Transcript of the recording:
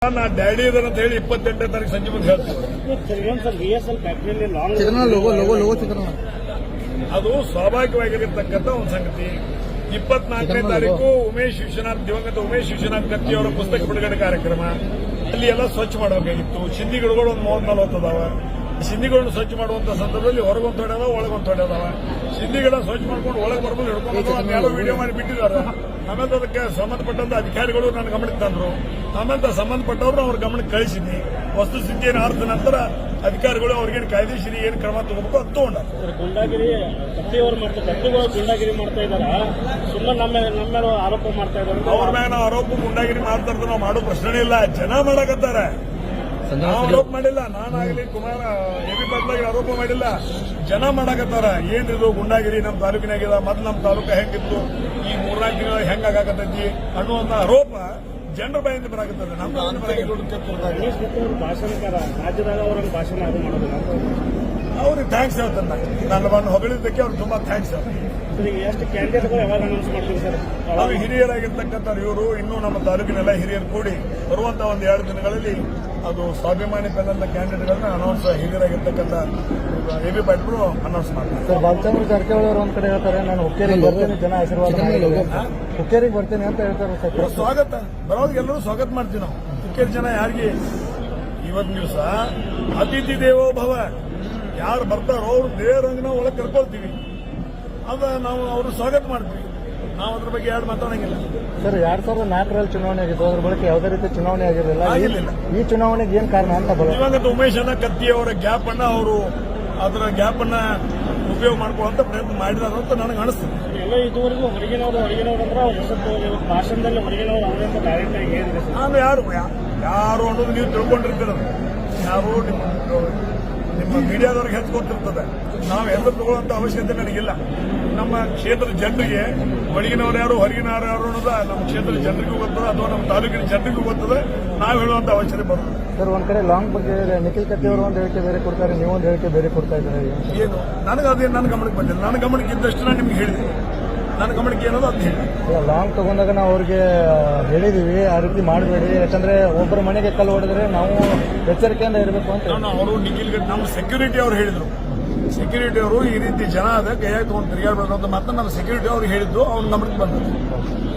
ನಾ ಡ್ಯಾಡಿ ಇದರ ಅಂತ ಹೇಳಿ 28ನೇ ತಾರೀಕು ಸಂಜೆ ಮುಂದೆ ಹೇಳ್ತೀವಿ. ಅದು ಸ್ವಾಭಾವಿಕವಾಗಿರತಕ್ಕಂಥ ಒಂದು ಸಂಗತಿ. 24ನೇ ತಾರೀಕು ದಿವಂಗತ ಉಮೇಶ್ ವಿಶ್ವನಾಥ್ ಕತ್ತಿ ಅವರ ಪುಸ್ತಕ ಬಿಡುಗಡೆ ಕಾರ್ಯಕ್ರಮ. ಅಲ್ಲಿ ಎಲ್ಲ ಸ್ವಚ್ಛ ಮಾಡಬೇಕಾಗಿತ್ತು. ಸಿಂಧಿಗಳು ಒಂದು 30-40 ಅದಾವ. ಸಿಂಧಿಗಳನ್ನು ಸ್ವಚ್ಛ ಮಾಡುವಂತ ಸಂದರ್ಭದಲ್ಲಿ ಹೊರಗೊಂದು ತೊಡೆ ಒಳಗೊಂದು ತೊಡೆ ಅದಾವ. ಸಿಂಧಿಗಳ ಸ್ವಚ್ಛ ಮಾಡ್ಕೊಂಡು ಒಳಗೆ ಬರ್ಬೋದು ಹಿಡ್ಕೊಂಡು ಅದನ್ನೆಲ್ಲ ವಿಡಿಯೋ ಮಾಡಿ ಬಿಟ್ಟಿದ್ದಾರೆ. ಆಮೇಲೆ ಅದಕ್ಕೆ ಸಂಬಂಧಪಟ್ಟಂತ ಅಧಿಕಾರಿಗಳು ನನ್ನ ಗಮನಕ್ಕೆ ತಂದ್ರು. ಆಮೇಲೆ ಸಂಬಂಧಪಟ್ಟವ್ರು ಅವ್ರ ಗಮನಕ್ಕೆ ಕಳಿಸಿದ್ನಿ. ವಸ್ತುಸ್ಥಿತಿಯನ್ನು ಆರ್ದ ನಂತರ ಅಧಿಕಾರಿಗಳು ಅವ್ರಿಗೇನು ಕಾಯ್ದೆಶೀರಿ ಏನು ಕ್ರಮ ತಗೋಬೇಕು ಅದು ತಗೊಂಡ. ಗುಂಡಾಗಿರಿ ಕತ್ತಿಯವರು ಕತ್ತಿಗಳು ಗುಂಡಾಗಿರಿ ಮಾಡ್ತಾ ಇದಾರ, ಸುಮ್ಮನೆ ನಮ್ಮ ಮೇಲೆ ಆರೋಪ ಮಾಡ್ತಾ ಇದ್ದಾರೆ. ಅವ್ರ ಮ್ಯಾಗ ನಾವು ಆರೋಪ ಗುಂಡಾಗಿರಿ ಮಾಡ್ತಾ ಇರ್ತಾರೆ. ನಾವು ಮಾಡೋ ಪ್ರಶ್ನೆ ಇಲ್ಲ. ಜನ ಮಾಡಕತ್ತಾರೆ. ನಾವು ಆರೋಪ ಮಾಡಿಲ್ಲ. ನಾನಾಗಲಿ ಕುಮಾರ ಎಬಿ ಪಾಟೀಲ್ ಆರೋಪ ಮಾಡಿಲ್ಲ. ಜನ ಮಾಡಕತ್ತಾರ. ಏನಿದು ಗುಂಡಾಗಿರಿ ನಮ್ಮ ತಾಲೂಕಿನಾಗಿದ, ಮೊದಲು ನಮ್ಮ ತಾಲೂಕು ಹೆಂಗಿತ್ತು, ಈ 3-4 ದಿನ ಹೆಂಗಾಗತ್ತೈತಿ ಅನ್ನುವಂತ ಆರೋಪ ಜನರ ಬಾಯಿಂದ ಬರಾಕತ್ತದೆ. ನಮ್ಮ ಭಾಷಣಕಾರ ರಾಜ್ಯದಾಗ ಅವ್ರ ಭಾಷಣ ಅದು ಮಾಡೋದಿಲ್ಲ. ಅವ್ರಿಗೆ ಥ್ಯಾಂಕ್ಸ್ ಹೇಳ್ತಾನೆ. ನನ್ನ ಬಂದು ಹೊಗಳಿದ್ದಕ್ಕೆ ಅವ್ರಿಗೆ ತುಂಬಾ ಥ್ಯಾಂಕ್ಸ್. ಎಷ್ಟು ಕ್ಯಾಂಡಿಡೇಟ್ಗಳು ಯಾವಾಗ ಅನೌನ್ಸ್ ಮಾಡ್ತೀವಿ ಸರ್? ಅವ್ರು ಹಿರಿಯರಾಗಿರ್ತಕ್ಕಂಥವ್ರು ಇವರು ಇನ್ನೂ ನಮ್ಮ ತಾಲೂಕಿನೆಲ್ಲ ಹಿರಿಯರು ಕೂಡಿ ಬರುವಂತಹ ಒಂದು 2 ದಿನಗಳಲ್ಲಿ ಅದು ಸ್ವಾಭಿಮಾನಿ ಬೆನ್ನಂತ ಕ್ಯಾಂಡಿಡೇಟ್ಗಳನ್ನ ಅನೌನ್ಸ್ ಹಿರಿಯರಾಗಿರ್ತಕ್ಕಂಥ ಎಬಿ ಪಾಟೀಲ್ ಅನೌನ್ಸ್ ಮಾಡ್ತಾರೆ. ಸರ್, ಬಾಲಚಂದ್ರ ಜಾರಕಿಹೊಳಿ ಅವರು ಒಂದ್ ಕಡೆ ಹೇಳ್ತಾರೆ, ನಾನು ಹುಕ್ಕೇರಿಗೆ ಬರ್ತೇನೆ, ಜನ ಆಶೀರ್ವಾದ ಹುಕ್ಕೇರಿಗೆ ಬರ್ತೇನೆ ಅಂತ ಹೇಳ್ತಾರೆ. ಸರ್, ಸ್ವಾಗತ ಬರೋದು ಎಲ್ಲರೂ ಸ್ವಾಗತ ಮಾಡ್ತೀವಿ ನಾವು. ಹುಕ್ಕೇರಿ ಜನ ಯಾರಿಗೆ ಇವತ್ತಿನ ದಿವಸ ಅತಿಥಿ ದೇವೋ ಭವ, ಯಾರು ಬರ್ತಾರೋ ಅವ್ರು ದೇವರಂಗ ನಾವು ಒಳಗೆ ಕರ್ಕೊಳ್ತೀವಿ. ಅದ ನಾವು ಅವ್ರು ಸ್ವಾಗತ ಮಾಡ್ತೀವಿ. ನಾವು ಅದ್ರ ಬಗ್ಗೆ ಯಾರು ಮಾತಾಡಂಗಿಲ್ಲ. ಸರ್, 2004ರಲ್ಲಿ ಚುನಾವಣೆ ಆಗಿತ್ತು. ಅದ್ರ ಬಳಿಕ ಯಾವುದೇ ರೀತಿ ಚುನಾವಣೆ ಆಗಿರಲಿಲ್ಲ. ಈ ಚುನಾವಣೆಗೆ ಏನ್ ಕಾರಣ ಅಂತ ದಿವಂಗತ ಉಮೇಶ್ ಕತ್ತಿ ಅವರ ಗ್ಯಾಪ್ ಅನ್ನ ಅವರು ಅದರ ಗ್ಯಾಪ್ ಅನ್ನ ಉಪಯೋಗ ಮಾಡ್ಕೊಳ್ಳುವಂತ ಪ್ರಯತ್ನ ಮಾಡಿದಾರ ಅಂತ ನನಗೆ ಅನಿಸ್ತದೆ. ಎಲ್ಲ ಇದುವರೆಗೂ ಹೊರಗಿನವರು ಅಂದ್ರೆ ಹೊಸತ್ತು ಭಾಷಣದಲ್ಲಿ ಹೊರಗಿನವರು ಅವರಿಂದ ಡೈರೆಕ್ಟ್ ಆಗಿ ಏನಿದೆ. ನಾನು ಯಾರು ಅನ್ನೋದು ನೀವು ತಿಳ್ಕೊಂಡಿರ್ತೀರ. ಯಾರು ನಿಮ್ಮ ಮೀಡಿಯಾದವ್ರಿಗೆ ಹೆಚ್ಚು ಗೊತ್ತಿರ್ತದೆ. ನಾವು ಎಲ್ಲರೂ ತಗೊಳ್ಳುವಂತ ಅವಶ್ಯಕತೆ ನನಗಿಲ್ಲ. ನಮ್ಮ ಕ್ಷೇತ್ರದ ಜನರಿಗೆ ಒಳಗಿನವ್ರು ಯಾರು ಹೊರಗಿನವ್ರು ಯಾರು ಅನ್ನೋದ ನಮ್ಮ ಕ್ಷೇತ್ರದ ಜನರಿಗೂ ಗೊತ್ತದ ಅಥವಾ ನಮ್ಮ ತಾಲೂಕಿನ ಜನರಿಗೂ ಗೊತ್ತದ. ನಾವು ಹೇಳುವಂತ ಅವಶ್ಯಕತೆ ಬರೋದು. ಸರ್, ಒಂದ್ ಕಡೆ ಲಾಂಗ್ ಬಗ್ಗೆ ನಿಖಿಲ್ ಕತ್ತಿ ಅವರು ಒಂದು ಹೇಳಿಕೆ ಬೇರೆ ಕೊಡ್ತಾರೆ, ನೀವು ಒಂದು ಹೇಳಿಕೆ ಬೇರೆ ಕೊಡ್ತಾ ಇದ್ದಾರೆ. ಏನು ನನಗೆ ಅದೇನು ನನ್ನ ಗಮನಕ್ಕೆ ಬಂದಿಲ್ಲ. ನನ್ನ ಗಮನಕ್ಕೆ ಇದ್ದಷ್ಟು ನಾನು ನಿಮ್ಗೆ ಹೇಳಿದೆ. ನನ್ನ ಗಮನಕ್ಕೆ ಏನೋ ಅದು ಹೇಳಿ. ಲಾಂಗ್ ತಗೊಂಡಾಗ ನಾವು ಅವ್ರಿಗೆ ಹೇಳಿದೀವಿ, ಆ ರೀತಿ ಮಾಡಬೇಡಿ, ಯಾಕಂದ್ರೆ ಒಬ್ಬರ ಮನೆಗೆ ಕಲ್ಲು ಹೊಡೆದ್ರೆ ನಾವು ಎಚ್ಚರಿಕೆಯಿಂದ ಇರಬೇಕು ಅಂತ. ಅವರು ನಿಖಿಲ್ ನಮ್ಮ ಸೆಕ್ಯೂರಿಟಿ ಅವರು ಹೇಳಿದ್ರು. ಸೆಕ್ಯೂರಿಟಿ ಅವರು ಈ ರೀತಿ ಜನ ಅದ ಕೈಯಾಗಿ ತಗೊಂಡು ತಿರುಗಾಡಬೇಕು ಅಂತ ಮಾತ್ರ ನಮ್ಮ ಸೆಕ್ಯೂರಿಟಿ ಅವ್ರು ಹೇಳಿದ್ದು ಅವ್ನ ಗಮನಕ್ಕೆ ಬಂದದ್ದು.